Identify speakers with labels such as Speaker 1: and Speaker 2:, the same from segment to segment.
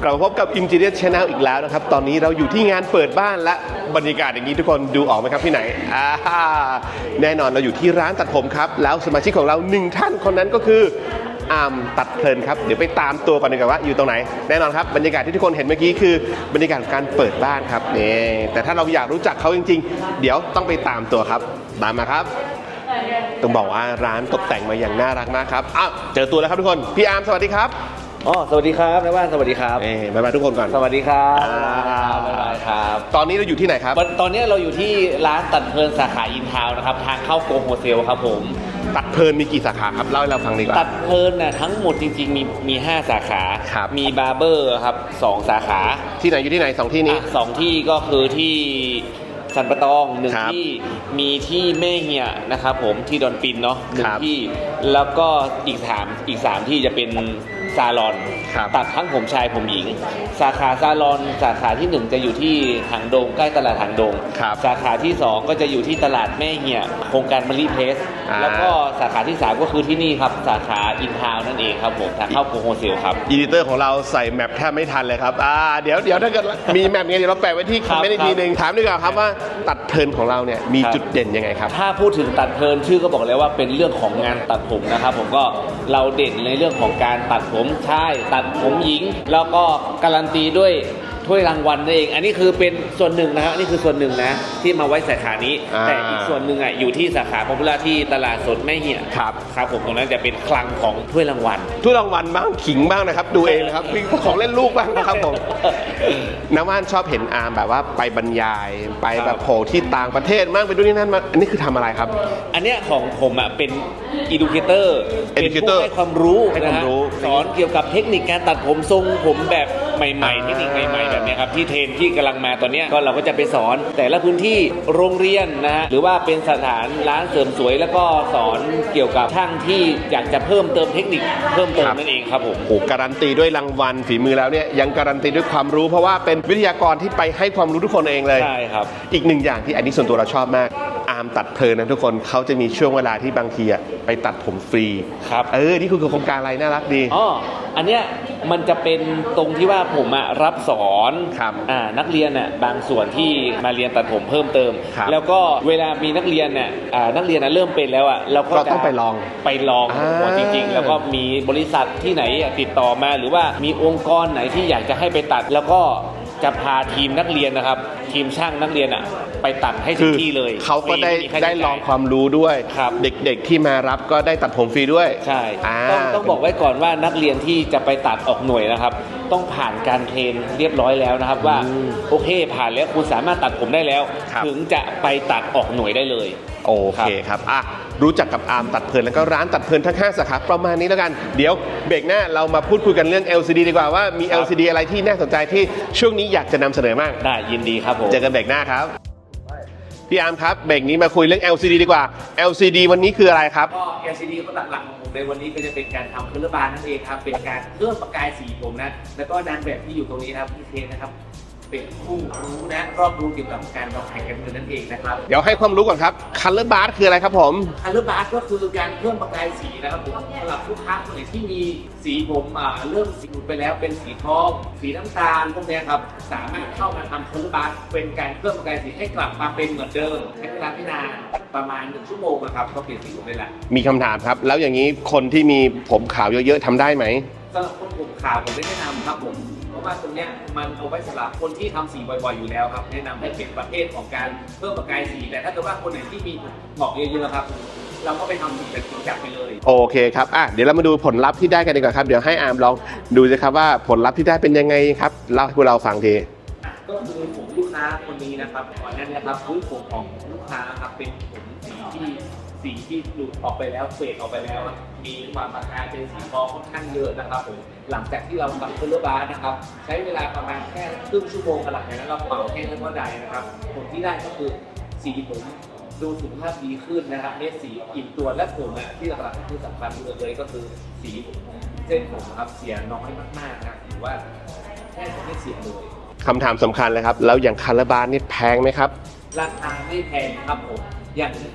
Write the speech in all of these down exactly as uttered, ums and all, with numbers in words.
Speaker 1: กลับมาพบกับ Interior Channel อีกแล้วนะครับตอนนี้เราอยู่ที่งานเปิดบ้านและบรรยากาศอย่างนี้ทุกคนดูออกไหมครับที่ไหนอ่าแน่นอนเราอยู่ที่ร้านตัดผมครับแล้วสมาชิกของเราหนึ่งท่านคนนั้นก็คืออาร์มตัดเพลินครับเดี๋ยวไปตามตัวกันดีกว่าว่าอยู่ตรงไหนแน่นอนครับบรรยากาศที่ทุกคนเห็นเมื่อกี้คือบรรยากาศการเปิดบ้านครับนี่แต่ถ้าเราอยากรู้จักเขาจริงๆเดี๋ยวต้องไปตามตัวครับตามมาครับต้องบอกว่าร้านตกแต่งมาอย่างน่ารักมากครับอ้าวเจอตัวแล้วครับทุกคนพี่อาร์มสวัสดีครับ
Speaker 2: อ๋อสวัสดีครับนายบ้านสวัสดีครับ
Speaker 1: เอ้บ๊ายบายทุกคนก่อน
Speaker 2: สวัสดีครับบ๊ายบายครับ
Speaker 1: ตอนนี้เราอยู่ที่ไหนครับ
Speaker 2: ตอนนี้เราอยู่ที่ร้านตัดเพลินสาขาอินทาวน์นะครับทางเข้าโกโฮเซลครับผม
Speaker 1: ตัดเพลินมีกี่สาขาครับเล่าให้เราฟังดีกว่า
Speaker 2: ตัดเพลินน่ะทั้งหมดจริงๆมีมีห้าสาขามีบาร์เบอร์ครับสองสาขา
Speaker 1: ที่ไหนอยู่ที่ไหนสองที่นี้
Speaker 2: สองที่ก็คือที่สันปะตองหนึ่งที่มีที่แม่เหี่ยนะครับผมที่ดอนปินเนาะหนึ่งที่แล้วก็อีกสามอีกสามที่จะเป็นซาลอนตัดทั้งผมชายผมหญิงสาขาซาลอนสาขาที่หนึ่งจะอยู่ที่หางดงใกล้ตลาดหางดงสาขาที่สองก็จะอยู่ที่ตลาดแม่เหี่ยโครงการมะลิเพสแล้วก็สาขาที่สามก็คือที่นี่ครับสาขาอินทาวน์นั่นเองครับผมทางเข้าโกโฮเซลครับ
Speaker 1: อีดิเตอร์ของเราใส่แมปแทบไม่ทันเลยครับอ่าเดี๋ยวเดี๋ยวถ้าเกิดมีแมปเงี้ยเดี๋ยวเราแปะไว้ที่คอมเมนต์อีกทีนึงถามดีกว่าครับว่าตัดเพลินของเราเนี่ยมีจุดเด่นยังไงครับ
Speaker 2: ถ้าพูดถึงตัดเพลินชื่อก็บอกแล้วว่าเป็นเรื่องของงานตัดผมนะครับผมก็เราเด่นในเรื่องของการตัดผมชายตัดผมหญิงแล้วก็การันตีด้วยถ้วยรางวัลนั่นเองอันนี้คือเป็นส่วนหนึ่งนะฮะนี่คือส่วนหนึ่งนะที่มาไว้สาขานี้แต่อีกส่วนหนึ่งอ่ะอยู่ที่สาขาพอพุล่าที่ตลาดสดแม่เหี่ย
Speaker 1: ครับ
Speaker 2: ครับผมตรงนั้นจะเป็นคลังของถ้วยรางวัล
Speaker 1: ถ้วยรางวัลบ้างขิงบ้างนะครับดูเองนะครับมีของเล่นลูกบ้างนะครับผมน้าว่านชอบเห็นอาร์มแบบว่าไปบรรยายไปแบบโผล่ที่ต่างประเทศมากไปด้วยนี่นั่นมาอันนี้คือทำอะไรครับ
Speaker 2: อันเนี้ยของผมอ่ะเป็น educator เป็นผู้ให้ความรู้นะฮะสอนเกี่ยวกับเทคนิคการตัดผมทรงผมแบบใหม่ๆเทคนิคใหม่ๆแบบนี้ครับที่เทรนที่กำลังมาตอนนี้ก็เราก็จะไปสอนแต่ละพื้นที่โรงเรียนนะฮะหรือว่าเป็นสถานร้านเสริมสวยแล้วก็สอนเกี่ยวกับช่างที่อยากจะเพิ่มเติมเทคนิคเพิ่มเติมนั่นเองครับผม
Speaker 1: โอ้การันตีด้วยรางวัลฝีมือแล้วเนี่ยยังการันตีด้วยความรู้เพราะว่าเป็นวิทยากรที่ไปให้ความรู้ทุกคนเองเลย
Speaker 2: ใช่ครับ
Speaker 1: อีกหนึ่งอย่างที่อันนี้ส่วนตัวเราชอบมากอาร์มตัดเพลินนะทุกคนเขาจะมีช่วงเวลาที่บางทีไปตัดผมฟรี
Speaker 2: ครับ
Speaker 1: เออนี่คือโครงการอะไรน่ารักดี
Speaker 2: อ๋ออันเนี้ยมันจะเป็นตรงที่ว่าผมอะรับสอนอ่านักเรียนน่ะบางส่วนที่มาเรียนตัดผมเพิ่มเติมแล้วก็เวลามีนักเรียนเนี่ยอ่านักเรียนน่ะเริ่มเป็นแล้วอ่ะเราก็
Speaker 1: ต้องไปลอง
Speaker 2: ไปลองหัวจริงๆแล้วก็มีบริษัทที่ไหนติดต่อมาหรือว่ามีองค์กรไหนที่อยากจะให้ไปตัดแล้วก็จะพาทีมนักเรียนนะครับทีมช่างนักเรียนอ่ะไปตัดให้ถึงที่เลย
Speaker 1: เขาก็ได้ได้ลองความรู้ด้วยเด็กๆที่มารับก็ได้ตัดผมฟรีด้วย
Speaker 2: ใช่ต้องต้องบอกไว้ก่อนว่านักเรียนที่จะไปตัดออกหน่วยนะครับต้องผ่านการเทรนเรียบร้อยแล้วนะครับว่าโอเคผ่านแล้วคุณสามารถตัดผมได้แล้วถึงจะไปตัดออกหน่วยได้เลย
Speaker 1: โอเคครับอ่ะรู้จักกับอาร์มตัดเพลินแล้วก็ร้านตัดเพลินทั้งห้าสาขาประมาณนี้แล้วกันเดี๋ยวเบรกหน้าเรามาพูดคุยกันเรื่อง แอล ซี ดี ดีกว่าว่ามี แอล ซี ดี อะไรที่น่าสนใจที่ช่วงนี้อยากจะนำเสนอมาก
Speaker 2: ได้ยินดีครับผม
Speaker 1: เจอกันเบรกหน้าครับพี่อาร์มครับเบรกนี้มาคุยเรื่อง แอล ซี ดี ดีกว่า แอล ซี ดี วันนี้คืออะไรครับ
Speaker 2: ก็ แอล ซี ดี ก็หลักๆของผมในวันนี้ก็จะเป็นการทำเครื่องบานนั่นเองครับเป็นการเพิ่มประกายสีผมนะแล้วก็นางแบบที่อยู่ตรงนี้นะครับพี่เทนนะครับเป็นผู้รู้นะรอบรู้เกี่ยวกับการวางแผนการเงินนั่นเองนะครับ
Speaker 1: เดี๋ยวให้ความรู้ก่อนครับ Color Bar คืออะไรครับผม
Speaker 2: Color Bar ก็คือการเพิ่มประกายสีนะครับผมสำหรับลูกค้าคนไหนที่มีสีผมอ่าเริ่มสีหลุดไปแล้วเป็นสีทองสีน้ำตาลพวกนี้ครับสามารถเข้ามาทำ Color Bar เป็นการเพิ่มประกายสีให้กลับมาเป็นเหมือนเดิมใช้เวลาไม่นานประมาณหนึ่งชั่วโมงนะครับก็เปลี่ยนสีผมได้ละ
Speaker 1: มีคำถามครับแล้วอย่างนี้คนที่มีผมขาวเยอะๆทำได้ไหม
Speaker 2: สำหรับคนผมขาวผมไม่แนะนำครับผมเพราะว่าตรงนี้มันเอาไว้สำหรับคนที่ทำสีบ่อยๆอยู่แล้วครับแนะนำให้เป็นประเภทของการเพิ่มประกายสีแต่ถ้าเกิดว่าคนไหนที่มีหมอกเยอะๆครับเราก็ไปทำสีแบบจริงจังไปเลย
Speaker 1: โอเคครับอ่ะเดี๋ยวเรามาดูผลลัพธ์ที่ได้กันดีกว่าครับเดี๋ยวให้อาร์มลองดูสิครับว่าผลลัพธ์ที่ได้เป็นยังไงครับเล่าให้พวกเราฟังที
Speaker 2: ก็คือผมลูกค้าคนนี้นะครับก่อนหน้านี้ครับพื้นผมของลูกค้าครับเป็นผมสีที่สีที่หลุดออกไปแล้วเฟดออกไปแล้วมีความประกายเป็นสีทองค่อนข้างเยอะนะครับผมหลังจากที่เราทำเครื่องบาร์นะครับใช้เวลาประมาณแค่ครึ่งชั่วโมงหลังจากนั้นเราเป่าแห้งแล้วก็ได้นะครับผลที่ได้ก็คือสีผมดูสุขภาพดีขึ้นนะครับเนี่ยสีอิ่มตัวและผมอ่ะที่หลักๆที่สำคัญเลยก็คือสีเส้นผมครับเสียน้อยมากๆนะหรือว่าแค่ไม่เสียเลย
Speaker 1: คำถามสำคัญเลยครับแล้วอย่างคาราบาลนี่แพงไหมครับ
Speaker 2: ราคาไม่แพงครับผมอย่างค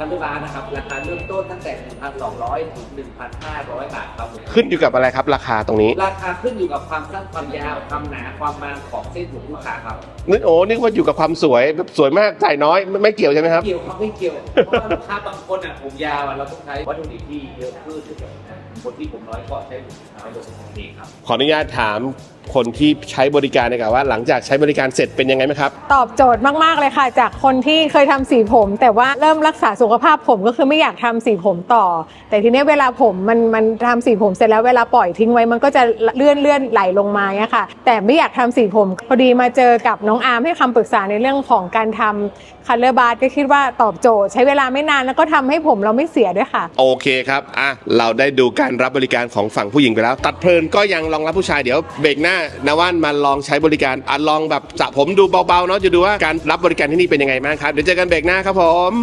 Speaker 2: คันเลือกร้านนะครับราคาเริ่มต้นตั้งแต่ หนึ่งพันสองร้อย ถึง หนึ่งพันห้าร้อย บาทครับผม
Speaker 1: ขึ้นอยู่กับอะไรครับราคาตรงนี้
Speaker 2: ราคาขึ้นอยู่กับความสั้นความยาวความหนาความบางของเส้นผมลูกค้าครับ
Speaker 1: นึกโอ้นึกว่าอยู่กับความสวยแบบสวยมากจ่ายน้อยไม่ไม่เกี่ยวใช่ไหมครับ
Speaker 2: เกี่ยวครับไม่เกี่ยวเพราะว่าลูกค้าบางคนอ่ะผมยาวอ่ะเราต้องใช้วัตถุดิบที่เยอะขึ้นคนที่ผมน้อยก็ใช้ผมน้อยโดยส่วนเองครับ
Speaker 1: ขออนุญาตถามคนที่ใช้บริการนะครับว่าหลังจากใช้บริการเสร็จเป็นยังไงไหมครับ
Speaker 3: ตอบโจทย์มากๆเลยค่ะ จากคนที่เคยทำสีผม แต่ว่าเริ่มรักษาสุขภาพผมก็คือไม่อยากทำสีผมต่อ แต่ทีนี้เวลาผมมันมันทำสีผมเสร็จแล้วเวลาปล่อยทิ้งไว้มันก็จะเลื่อนเลื่อนไหลลงมาเนี่ยค่ะ แต่ไม่อยากทำสีผมพอดีมาเจอกับน้องอาร์มให้คำปรึกษาในเรื่องของการทำคัลเลอร์บาร์ก็คิดว่าตอบโจทย์ใช้เวลาไม่นานแล้วก็ทำให้ผมเราไม่เสียด้วยค่ะ
Speaker 1: โอเคครับอ่ะเราได้ดูการรับบริการของฝั่งผู้หญิงไปแล้ว ตัดเพลินก็ยังรองรับผู้ชายเดี๋ยวเบรกหน้านาว่านมาลองใช้บริการอ่ะลองแบบสระผมดูเบาๆเนาะจะดูว่าการรับบริการที่นี่เป็นยังไงบ้างครับเดี๋ยวเจอกันเบรกหน้าครับผม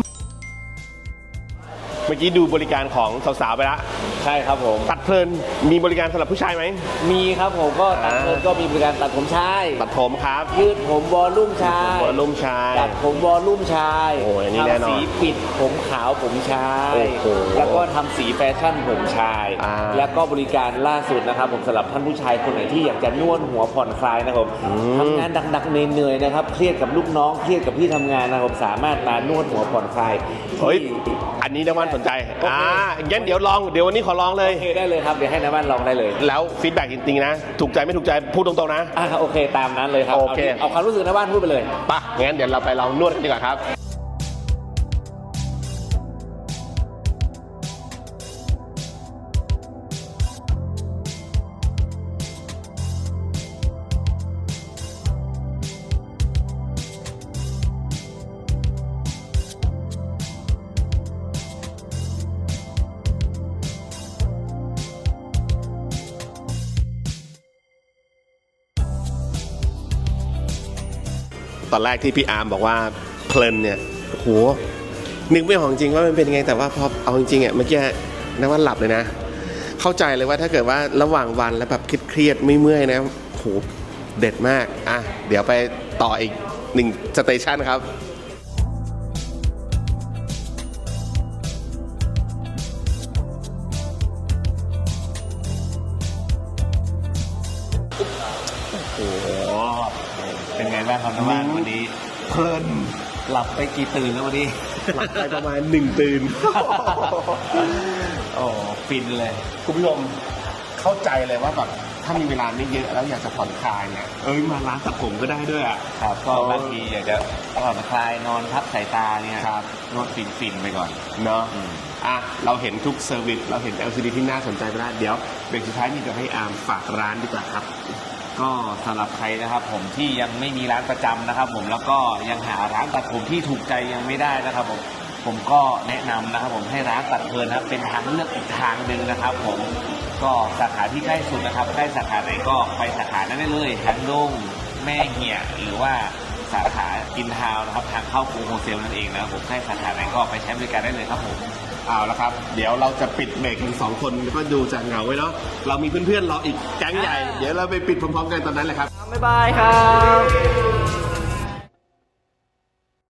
Speaker 1: เมื่อกี้ดูบริการของสาวๆไปแล้ว
Speaker 4: ใช่ครับผม
Speaker 1: ตัดเพลินมีบริการสำหรับผู้ชายไหม
Speaker 4: มีครับผมก็ตัดเพลินก็มีบริการตัดผมชาย
Speaker 1: ตัดผมครับ
Speaker 4: ยืดผมวอลลุ่มชาย
Speaker 1: วอลลุ่มชาย
Speaker 4: ตัดผมวอลลุ่มชาย
Speaker 1: โอ้ยอันนี้แน่นอน
Speaker 4: ทำสีปิดผมขาวผมชาย
Speaker 1: โอ้โห
Speaker 4: แล้วก็ทำสีแฟชั่นผมชาย
Speaker 1: อ่า
Speaker 4: แล้วก็บริการล่าสุดนะครับผมสำหรับท่านผู้ชายคนไหนที่อยากจะนวดหัวผ่อนคลายนะครับผมทำงานดักๆเหนื่อยๆนะครับเครียดกับลูกน้องเครียดกับที่ทำงานนะครับผมสามารถมานวดหัวผ่อนคลาย
Speaker 1: เฮ้ยอันนี้นาว่านสนใจอ่างั้นเดี๋ยวลองเดี๋ยววันนี้ขอลองเลย
Speaker 4: โอเคได้เลยครับเดี๋ยวให้น้าบ้านลองได้เลย
Speaker 1: แล้วฟีดแบ็กจริงๆนะถูกใจไม่ถูกใจพูดตรงๆนะ
Speaker 4: อ่าโอเคตามนั้นเลยครับ
Speaker 1: โอเค
Speaker 4: าที่เอาความรู้สึกน้าบ้านพูดไปเลย
Speaker 1: ป่ะงั้นเดี๋ยวเราไปลองนวดกันดีกว่าครับตอนแรกที่พี่อาร์มบอกว่าเพลินเนี่ยโหนึกไม่ออกจริงว่ามันเป็นยังไงแต่ว่าพอเอาจริงๆอ่ะเมื่อกี้นึกว่าหลับเลยนะ เข้าใจเลยว่าถ้าเกิดว่าระหว่างวันแล้วแบบเครียดๆไม่เมื่อยนะโหเด็ดมากอ่ะเดี๋ยวไปต่ออีกหนึ่งสเตชันครับโอ้โห
Speaker 4: เป็นไงบ้างครับน้าบ้านวันนี้
Speaker 1: เพลิน
Speaker 4: หลับไปกี่ตื่นแล้ววันนี้
Speaker 1: หลับไปประมาณหนึ่งตื่น
Speaker 4: โอ้ฟินเลย
Speaker 1: คุณผู้ชมเข้าใจเลยว่าแบบถ้ามีเวลาไม่เยอะแล้วอยากจะผ่อนคลายเนี่ยเอ้ยมาร้านตัดผมก็ได้ด้วยอ่ะ
Speaker 4: ครับก็บางทีอยากจะผ่อนคลายนอนพักสายตาเนี่ย
Speaker 1: ครับ
Speaker 4: นวดฟินฟินๆไปก่อน
Speaker 1: เนาะอ่ะเราเห็นทุกเซอร์วิสเราเห็น แอล ซี ดี ที่น่าสนใจไปแล้วเดี๋ยวเบรกสุดท้ายนี่จะให้อาร์มฝากร้านดีกว่าครับ
Speaker 4: ก็สำหรับใครนะครับผมที่ยังไม่มีร้านประจำนะครับผมแล้วก็ยังหาร้านตัดผมที่ถูกใจยังไม่ได้นะครับผมผมก็แนะนำนะครับผมให้ร้านตัดเพลินนะครับเป็นทางเลือกอีกทางหนึ่งนะครับผมก็สาขาที่ใกล้สุดนะครับใกล้สาขาไหนก็ไปสาขานั้นได้เลยทันดงแม่เหี่ยหรือว่าสาขาอินทาวน์นะครับทางเข้ากรุงโฮเซลนั่นเองนะครับผมใกล้สาขาไหนก็ไปใช้บริการได้เลยครับผม
Speaker 1: เอาละครับเดี๋ยวเราจะปิดเบรกกันสองคนแล้วก็ดูจากเหงาไว้เนาะเรามีเพื่อนๆรออีกแก๊งใหญ่เดี๋ยวเราไปปิดพร้อมๆกันตอนนั้นแหละครับ
Speaker 4: บ๊ายบายครับ